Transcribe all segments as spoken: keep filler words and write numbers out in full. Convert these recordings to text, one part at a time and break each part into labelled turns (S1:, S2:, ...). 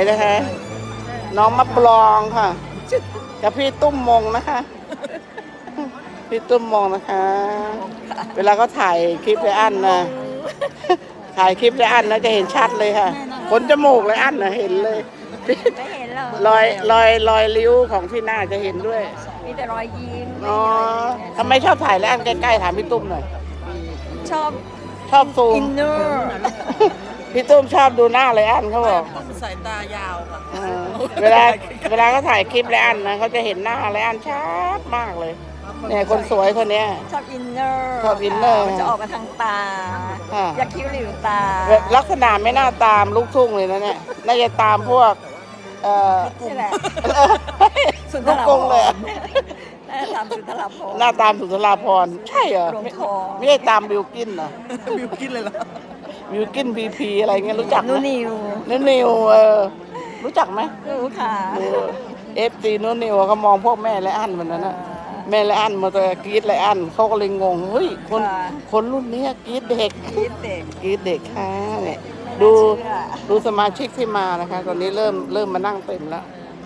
S1: นะคะ น้องมะปรางค่ะกับพี่ตุ้มมงนะคะพี่ตุ้มมงนะคะ เวลาเขาถ่ายคลิปเลยอันนะถ่ายคลิปเลยอันนะจะเห็นชัดเลยค่ะขนจมูกเลยอันนะเห็นเลย
S2: ไม่เห็นหรอก
S1: รอยรอยรอยริ้วของที่หน้าจะเห็นด้วย
S2: มีแต่รอยยิ้ม
S1: อ๋อทำไมชอบถ่ายแล้วอันใกล้ๆถามพี่ตุ้มหน่อย
S2: ชอบ
S1: ชอบซู
S2: อิ
S1: ม
S2: นเนอร์
S1: พี่ตุ้มชอบดูหน้าเลยอันเขาบอก
S3: สายตายาวค่ะ
S1: เออเวลาเวลาเขาถ่ายคลิปเลยอันนะเขาจะเห็นหน้าเลยอันชัดมากเลยเนี่ยคนสวยคนเนี้ย
S2: ชอบอินเนอร์
S1: ชอบอินเนอร์
S2: มันจะออกมาทางตา
S1: ค่ะ
S2: อยากคิ้วหลิวตา
S1: ลักษณะไม่น่าตามลูกทุ่งเลยนะเนี่ยน่าจะตามพวกเอ่อ
S2: นี่แหละ สุนท
S1: ลูก
S2: ร
S1: กงเลยอะ
S2: น่าจะตามสุนทรภพ
S1: หน้าตามสุนทราภรณ์ใช่เหรอ
S2: หลวง
S1: ไม่
S2: ทอง
S1: ไม่ได้ตามบิวกินเหรอ
S3: บิวกินเลยเหรอ
S1: บิวกินบีพีอะไรเงี้ยรู้จักไหม
S2: นูนิว
S1: นุ่นนิวเออรู้จักไหม
S2: รู้ค่ะ
S1: เอฟซีนุ่นนิวเขามองพวกแม่และอันมันนั้นนะแม่และอันมาตัวกรีดและอันเขาก็เลยงงเฮ้ยคนคนรุ่นนี้กรีดเด็ก
S2: คิดเด็ก
S1: กรีดเด็กค่ะเนี่ย
S2: ไม่น่า
S1: ดู
S2: เชื่อ
S1: ดูสมาชิกที่มานะคะ ตอนนี้เริ่มเริ่มมานั่งเต็มแล้ว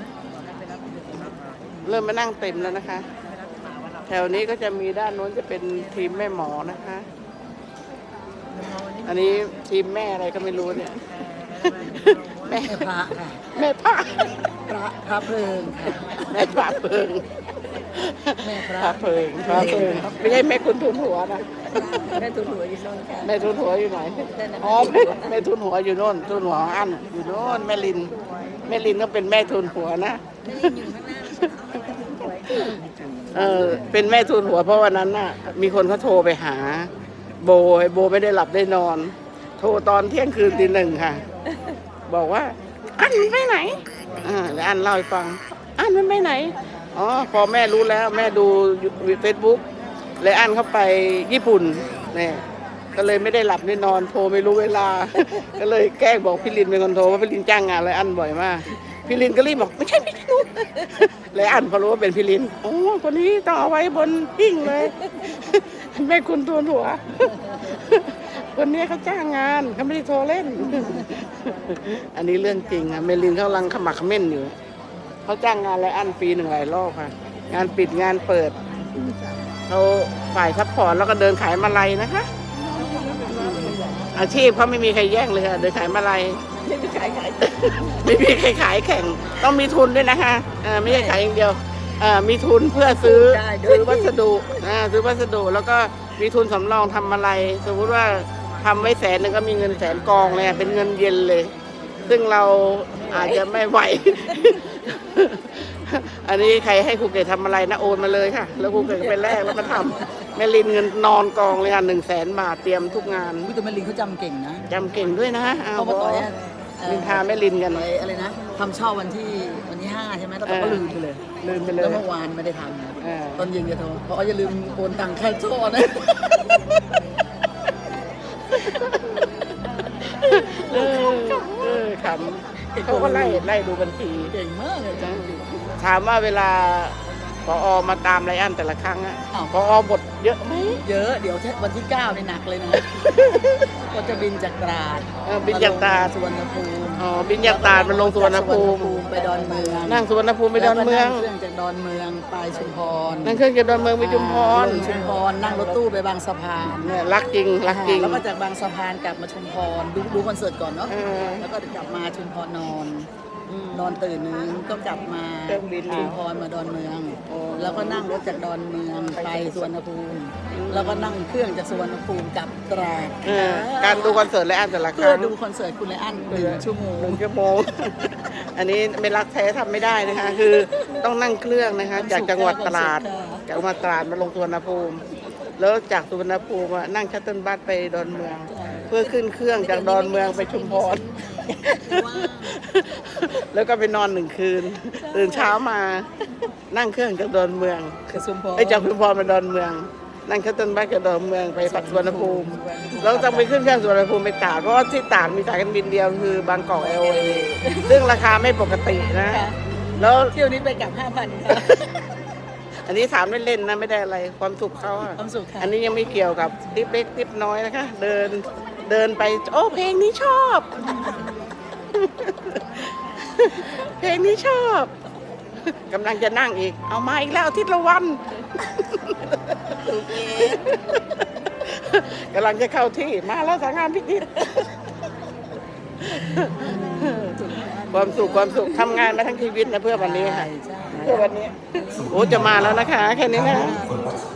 S1: เริ่มมานั่งเต็มแล้วนะคะ แถวนี้ก็จะมีด้านโน้นจะเป็นทีมแม่หมอนะคะ อันนี้ทีมแม่อะไรก็ไม่รู้เนี่ย แม่
S3: พระค่ะ
S1: แม่พระ
S3: พระพระเพลิงค่ะ
S1: แม่พระเพิง
S3: แม่พ
S1: พ
S3: ระ
S1: ระเพิงพระเพิงไม่ใช่แม่คุณทุนหัวนะ
S2: แม่ตุนหัวอยู่โน่นค่ะ
S1: แม่ทุนหัวอยู่ไหนอ๋อแม่แม่ทุนหัวอยู่โน่นทุนหัวของอันอยู่โน่นแม่ลินแม่ลินก็เป็นแม่ทุนหัวนะเออเป็นแม่ทุนหัวเพราะวันนั้นน่ะ มีคนเขาโทรไปหา โบไอ้โบไม่ได้หลับได้นอน โทรตอนเที่ยงคืนตีหนึ่งค่ะ บอกว่า อันไปไหนอ่าแล้วอันเล่าให้ฟัง อันมันไปไหนอ๋อพอแม่รู้แล้วแม่ดูเฟซบุ๊กเลยอันเข้าไปญี่ปุ่นเนี่ยก็เลยไม่ได้หลับได้นอนโทรไม่รู้เวลา ก็เลยแกล้งบอกพี่ลินเป็นคนโทรว่าพี่ลินจ้างงานเลยอันบ่อยมากพี่ลินก็รีบบอกไม่ใช่พี่ลินเลยอันพอรู้ว่าเป็นพี่ลินโอ้คนนี้ต้องเอาไว้บนหิ้งเลย แม่คุณตัวหัว คนนี้เขาจ้างงานเขาไม่ได้โทรเล่น อันนี้เรื่องจริงค่ะเมลินเขากำลังขมักเขม้นอยู่เขาจ้างงานและอันปีหนึ่งหลายรอบค่ะ งานปิดงานเปิดเขาฝ่ายซัพพอร์ตแล้วก็เดินขายมาลัยนะคะ อาชีพเขาไม่มีใครแย่งเลยค่ะเดินขายมาลัย
S2: ไม่มีขายขาย
S1: ไม่มีใครขายแข่งต้องมีทุนด้วยนะคะเอ่อไม่ใช่ขายอย่างเดียวเอ่อมีทุนเพื่อซื้อซื้อวัสดุอ่าซื้อวัสดุแล้วก็มีทุนสำรองทำอะไร สมมุติว่าทำไว้แสนหนึ่งก็มีเงินแสนกองเลยอะเป็นเงินเย็นเลย ซึ่งเราอาจจะไม่ไหว อันนี้ใครให้ครูเกศทำอะไรนะโอนมาเลยค่ะ แล้วครูเกศก็ไปแลกแล้วมาทำแม่ลินเงินนอนกองเลยค่ะหนึ่งแสนบาทเตรียมทุกงาน
S3: วิตามินลิงเขาจำเก่งนะ
S1: จำเก่งด้วยนะเอา
S3: เขา
S1: บ
S3: มา
S1: อ
S3: ต่อยอะเอ่อ
S1: ลินทาแม่ลินกัน
S3: ต่อยอะไรนะทำช่อวันที่วันที่ห้าใช่ไหมแล้ว
S1: เออ
S3: ก็ลืมไปเลย
S1: ลืมไปเล
S3: แล้
S1: ย
S3: วเมื่อวานไม่ได้ท
S1: เออ
S3: ำตอนเย็นจะโทรเพราะอย่าลืมโอนตังค่าช่อนะ
S1: เออเออขำเขาก็ไล่ไล่ดูบัญชี
S3: เก่งมากเลยจ้ะ
S1: ถามว่าเวลาพอมาตามไรอันแต่ละครั้งอะพอบทเยอะไหม
S3: เยอะเดี๋ยววันที่เก้าในหนักเลยนะ ก็จะบินจากตราด
S1: เออบินจากตราด
S3: มลงสุวรรณภูมิ
S1: อ๋อบินจากตราดมันลงสุวรรณภูมิ
S3: ไปดอนเมือง
S1: นั่งสุวรรณภูมิไปดอนเมือง
S3: แล้วก็นั่งเครื่องจากดอนเมืองไปชุมพร
S1: นั่งเครื่องจากดอนเมืองไปชุมพร
S3: ลงชุมพรนั่งรถตู้ไปบางสะพาน
S1: เนี่ยรักจริงรักจริง
S3: แล้วก็จากบางสะพานกลับมาชุมพรดูดูคอนเสิร์ตก่อนเนาะ
S1: เออ
S3: แล้วก็กลับมาชุมพรนอนนอนตื่นนึงก็กลับมา
S1: เครื่องบิน
S3: ชุมพรมาดอนเมือง
S1: โอ้
S3: แล้วก็นั่งรถจากดอนเมืองไปสุวรรณภูมิ แล้วก็นั่งเครื่องจากสุวรรณภูมิกลับตราด
S1: เออการดูคอนเสิร์ตไรอันแต่ละค
S3: เพื่อ
S1: รั้ง
S3: ดูคอนเสิร์ตคุณไลอ้อนหนึ่งชั่วโมง
S1: หนึ่งชั่วโมง อันนี้ไม่รักแท้ทำไม่ได้นะคะ คือต้องนั่งเครื่องนะคะ จากจังหวัดตราด จากจังหวัดตราดมาลงสุวรรณภูมิ แล้วจากสุวรรณภูมิอะนั่งชัตเติลบัสไปดอนเมือง เพื่อขึ้นเครื่องจากดอนเมืองไปชุมพร แล้วก็ไปนอนหนึ่งคืน ตื่นเช้ามานั่งเครื่องจากดอนเมือง
S3: คือชุมพร
S1: ไปจากชุมพรมาดอนเมือง นั่งชัตเติลบัสจากดอนเมืองไปปักสุวรรณภูมิ แล้วต้องไปขึ้นเครื่องสุวรรณภูมิไปตราดเพราะว่าที่ตราดมีสายการบินเดียวคือบางกอกแอร์เวย์ซึ่งราคาไม่ปกตินะ แล้ว
S3: เที่ยวนี้ไปกลับห้าพันค่ะ
S1: อันนี้ถามเล่นๆนะไม่ได้อะไรความสุขเขาอะ
S3: ความสุขค่ะ
S1: อันนี้ยังไม่เกี่ยวกับทิปเล็กทิปน้อยนะคะ เดินเดินไปโอ้เพลงนี้ชอบเพลงนี้ชอบกำลังจะนั่งอีก เอามาอีกแล้วอาทิตย์ละวันกำลังจะเข้าที่มาแล้วสาวงามพิจิตรความสุขความสุขทำงานมาทั้งชีวิตนะเพื่อวันนี้ค่ะ
S3: ใช่
S1: เพื่อวันนี้โอ้จะมาแล้วนะคะ แค่นี้นะ